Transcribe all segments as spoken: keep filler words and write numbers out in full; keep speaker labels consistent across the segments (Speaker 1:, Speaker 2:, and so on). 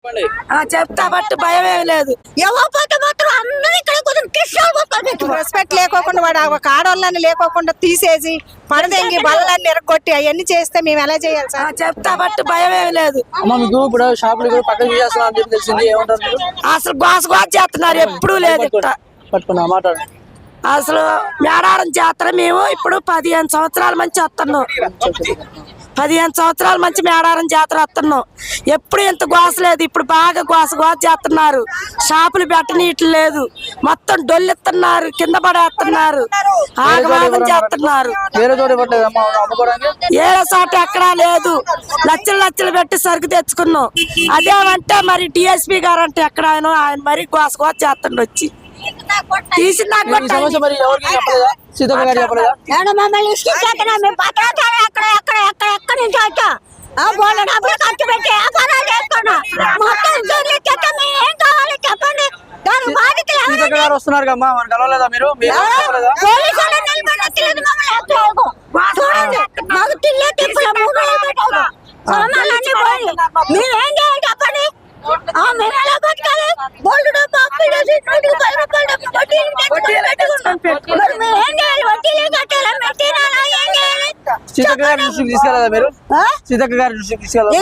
Speaker 1: చెప్తా బట్టి భయం ఏమి లేదు.
Speaker 2: రెస్పెక్ట్ లేకోకుండా వాడు ఒక ఆడవాళ్ళని లేకోకుండా తీసేసి పడదెంగి బల్లన్ని ఎరగొట్టి అవన్నీ చేస్తే మేము ఎలా చేయాలి సార్?
Speaker 1: చెప్తా బట్టి భయం ఏమి లేదు. అసలు గోస గోస చేస్తున్నారు, ఎప్పుడు లేదు ఇక్కడ. అసలు మేడారం జాతర మేము ఇప్పుడు పదిహేను సంవత్సరాల మంచి వస్తున్నాం. పదిహేను సంవత్సరాల మంచి మేడారం జాతర వస్తున్నాం. ఎప్పుడు ఇంత గోస లేదు. ఇప్పుడు బాగా గోస గోస చేస్తున్నారు. షాపులు పెట్టనీయట్లేదు లేదు. మొత్తం డొల్లెత్తున్నారు, కింద పడేస్తున్నారు, ఆగమాగం చేస్తున్నారు. ఏ చోట ఎక్కడా లేదు. లక్షలు లక్షలు పెట్టి సరుకు తెచ్చుకున్నాం. అదేమంటే మరి డిఎస్పీ గారు అంటే ఎక్కడ ఆయన ఆయన మరి గోస గోస చేస్తుండ వచ్చి తీసి
Speaker 3: మమ్మల్ని
Speaker 4: ఖర్చు పెట్టి వ్యాపారాలు చేసుకున్నా మొత్తం ఏం కావాలి చెప్పండి. దాని బాధితులు
Speaker 3: వస్తున్నారు కమ్మా, కలవలేదా మీరు?
Speaker 4: మాకు తిల్లే తిప్పుల మూడు సామాన్లన్నీ పోయి మీరేం చేయాలి చెప్పండి. మేము ఎలా బతకాలి? బోల్డ్ డబ్బు అప్పు చేసి నూటికి పది రూపాయలు డబ్బు వడ్డీలు పెట్టుకున్నాం. మేము ఏం చేయాలి? వడ్డీలే కట్టాలా? మేము తినాలా? ఏం చేయాలి?
Speaker 3: సీతక్క గారి దృష్టికి తీసుకెళ్ళదా మీరు? సీతక్క గారి దృష్టికి తీసుకెళ్ళదా?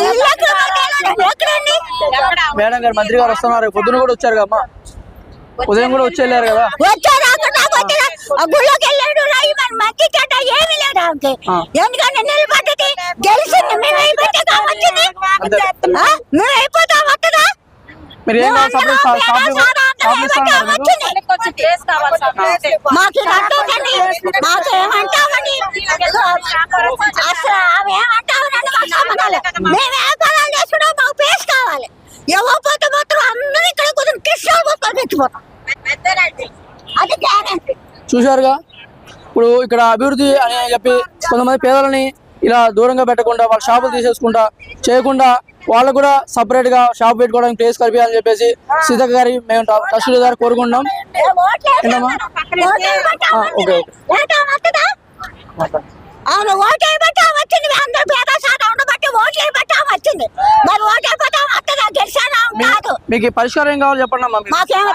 Speaker 3: మేడం గారు మంత్రి గారు వస్తున్నారు, పొద్దున కూడా వచ్చారు కమ్మా, ఉదయం కూడా వచ్చి వెళ్ళారు కదా.
Speaker 4: గుళ్ళోకి వెళ్ళాడు మంచి చెడ్డ ఏమి లేదు ఆమెకి. ఎందుకంటే నిలబడ్డది గెలిచింది. మేము అయిపోతే వచ్చింది, మేము అయిపోతాం వస్తుందా? మాకు కట్టండి, మాకు ఏమంటామని అసలు ఆమె ఏమంటామని మాకు సంబంధాలు. మేము వ్యాపారాలు చేసుకుంటాం, మాకు పేస్ కావాలి. ఎవరిపోతే మాత్రం అందరూ ఇక్కడ కొంచెం కృష్ణ తెచ్చిపోతాం. అది గ్యారెంటీ.
Speaker 3: చూశారుగా, ఇప్పుడు ఇక్కడ అభివృద్ధి అని చెప్పి కొంతమంది పేదలని ఇలా దూరంగా పెట్టకుండా వాళ్ళ షాపులు తీసేసుకుంటా చేయకుండా వాళ్ళకు కూడా సపరేట్ గా షాప్ పెట్టుకోవడానికి ప్లేస్ కల్పించాలని చెప్పేసి సీతక్క గారి మేము తహసీల్దార్ కోరుకుంటున్నాం. ఓకే
Speaker 4: అవును, ఓటు వేయబట్టే వచ్చింది. అందరూ పేద శాతం ఉండబట్టి ఓట్లు వేయబట్టే వచ్చింది. మరి ఓటు అయిపోతే వస్తుందా? గెలిచానా కాదు.
Speaker 3: మీకు పరిష్కారం ఏం కావాలి చెప్పండి అమ్మా.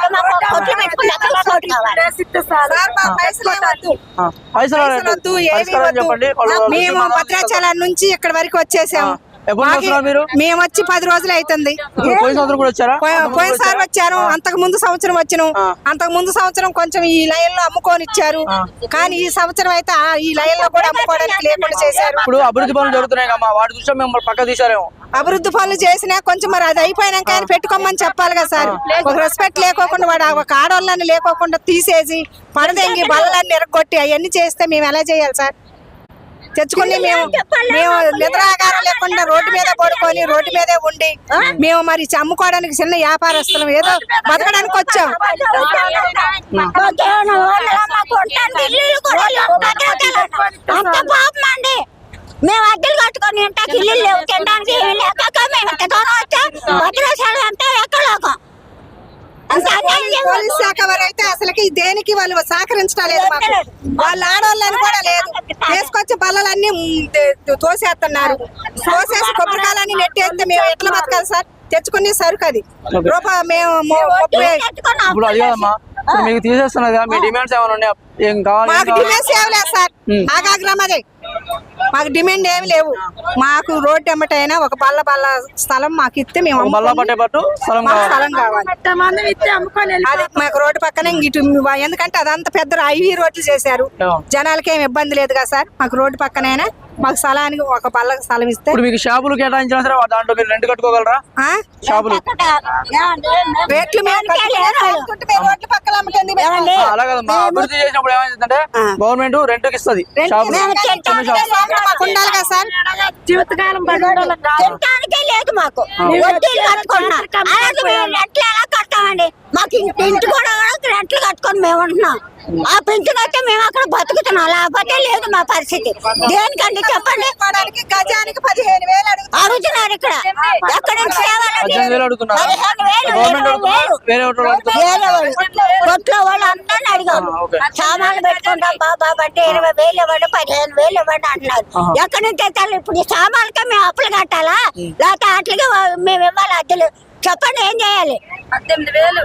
Speaker 2: మేము భద్రాచలం నుంచి ఇక్కడ వరకు వచ్చేసాము. మేము వచ్చి పది రోజులు అవుతుంది. పోయినసారి వచ్చాను, అంతకు ముందు సంవత్సరం వచ్చాను. అంతకు ముందు సంవత్సరం కొంచెం ఈ లైన్ లో అమ్ముకొని ఇచ్చారు, కానీ ఈ సంవత్సరం అయితే ఈ లైన్ లో కూడా అమ్ముకోవడానికి లేకుండా చేశారు.
Speaker 3: ఇప్పుడు అభివృద్ధి పనులు జరుగుతున్నాయి కమ్మా, వాటి దృష్ట్యా మేము పక్క తీసారేమో.
Speaker 2: అభివృద్ధి పనులు చేసినా కొంచెం మరి అది అయిపోయినాక ఆయన పెట్టుకోమని చెప్పాలి కదా సార్. ఒక రెస్పెక్ట్ లేకోకుండా వాడు ఒక ఆడవాళ్ళని లేకోకుండా తీసేసి పడదెంగి బల్లన్ని ఎరగొట్టి అవన్నీ చేస్తే మేము ఎలా చేయాలి సార్? తెచ్చుకుని మేము మేము నిద్రాగారం లేకుండా రోడ్డు మీద పడుకొని రోడ్డు మీదే ఉండి మేము మరి అమ్ముకోవడానికి చిన్న వ్యాపారస్తులం, ఏదో బతకడానికి వచ్చాం.
Speaker 4: మేము అద్దెలు కట్టుకొని ఇంటికి ఇల్లు లేవు, తినడానికి ఎక్కడోకం.
Speaker 2: పోలీస్ శాఖ వారు అయితే అసలుకి దేనికి వాళ్ళు సహకరించలేదు. మాకు వాళ్ళ ఆడవాళ్ళని కూడా లేదు, తీసుకొచ్చి బల్లలన్నీ తోసేస్తున్నారు. తోసేసి కొబ్బరికాయలన్నీ నెట్టేస్తే మేము ఎట్లా బతకాలి సార్? తెచ్చుకునే సరుకు అది రూపాయి మేము
Speaker 3: మీకు తీసేస్తున్నది. మీ డిమాండ్స్ ఏమైనా ఉన్నాయా? ఏం కావాలి?
Speaker 2: మాకు డిమాండ్స్ ఏమి లేదు సార్, ఆగాగ్రహం అదే. మాకు డిమాండ్ ఏమి లేవు. మాకు రోడ్డు ఎమ్మటైనా ఒక బల్ల బల్ల స్థలం మాకు ఇస్తే మేము స్థలం కావాలి. అది మాకు రోడ్డు పక్కనే ఇటు, ఎందుకంటే అదంతా పెద్ద ఐవీ రోడ్లు చేశారు. జనాలకి ఏమి ఇబ్బంది లేదు కదా సార్. మాకు రోడ్డు పక్కనైనా మాకు స్థలానికి ఒక బల్ల స్థలం ఇస్తే.
Speaker 3: మీకు షాపులు కేటాయించినా సరే దాంట్లో మీరు రెంట్ కట్టుకోగలరా? షాపులు
Speaker 2: రేట్లు
Speaker 3: అలా కదమ్మా, అభివృద్ధి చేసినప్పుడు ఏమైందంటే గవర్నమెంట్ రెంట్ కి ఇస్తుంది.
Speaker 2: ఉండాలి కదా సార్.
Speaker 1: జీవితకాలం
Speaker 4: లేదు మాకు. రెంట్లు ఎలా కట్టామండి? మాకు ఇంటి కూడా రెంట్లు కట్టుకొని మేము ఉంటున్నాం. ఆ పెంచు కట్టే మేము అక్కడ బతుకుతున్నాం, లేకపోతే లేదు మా పరిస్థితి. దేనికండి చెప్పండి?
Speaker 2: గజానికి పదిహేను వేలు
Speaker 4: అడుగుతున్నారు ఇక్కడ. ఎక్కడ నుంచి కొట్లో వాళ్ళు అందరిని అడిగాము. సామాన్లు పెట్టుకుంటాం బాబా అంటే ఇరవై వేలు ఇవ్వండి, పదిహేను వేలు ఇవ్వండి అంటున్నారు. ఎక్కడి నుంచి తెచ్చాలి? ఇప్పుడు ఈ సామాన్లకే మేము అప్పులు కట్టాలా, లేకపోతే అట్లకి మేము ఇవ్వాలి అద్దెలు? చెప్పండి ఏం చేయాలి?
Speaker 1: పద్దెనిమిది వేలు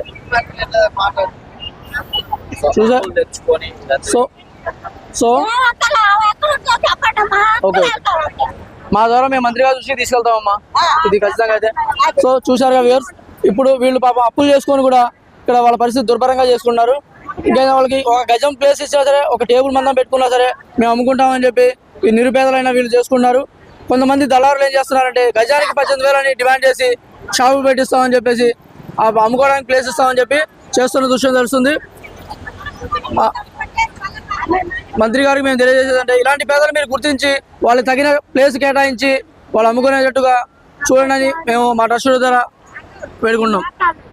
Speaker 3: చూసా సో సో
Speaker 4: చెప్పండమ్మా.
Speaker 3: ఓకే మా ద్వారా మేము మంత్రి గారి దృష్టికి తీసుకెళ్తామమ్మా ఇది ఖచ్చితంగా అయితే. సో చూసారుగా వ్యూవర్స్, ఇప్పుడు వీళ్ళు పాపం అప్పులు చేసుకొని కూడా ఇక్కడ వాళ్ళ పరిస్థితి దుర్భరంగా చేసుకున్నారు. ఇంకా వాళ్ళకి ఒక గజం ప్లేస్ ఇచ్చినా సరే, ఒక టేబుల్ మందం పెట్టుకున్నా సరే మేము అమ్ముకుంటామని చెప్పి ఈ నిరుపేదలైన వీళ్ళు చేసుకున్నారు. కొంతమంది దళారులు ఏం చేస్తున్నారంటే గజానికి పద్దెనిమిది వేలని డిమాండ్ చేసి షాపు పెట్టిస్తామని చెప్పేసి ఆ అమ్ముకోవడానికి ప్లేస్ ఇస్తామని చెప్పి చేస్తున్న దృశ్యం తెలుస్తుంది. మంత్రి గారికి మేము తెలియజేసేదంటే ఇలాంటి పేదలు మీరు గుర్తించి వాళ్ళకి తగిన ప్లేస్ కేటాయించి వాళ్ళు అమ్ముకునేటట్టుగా చూడండి మేము మా ట్రస్ట్ ద్వారా వేడుకుంటున్నాం.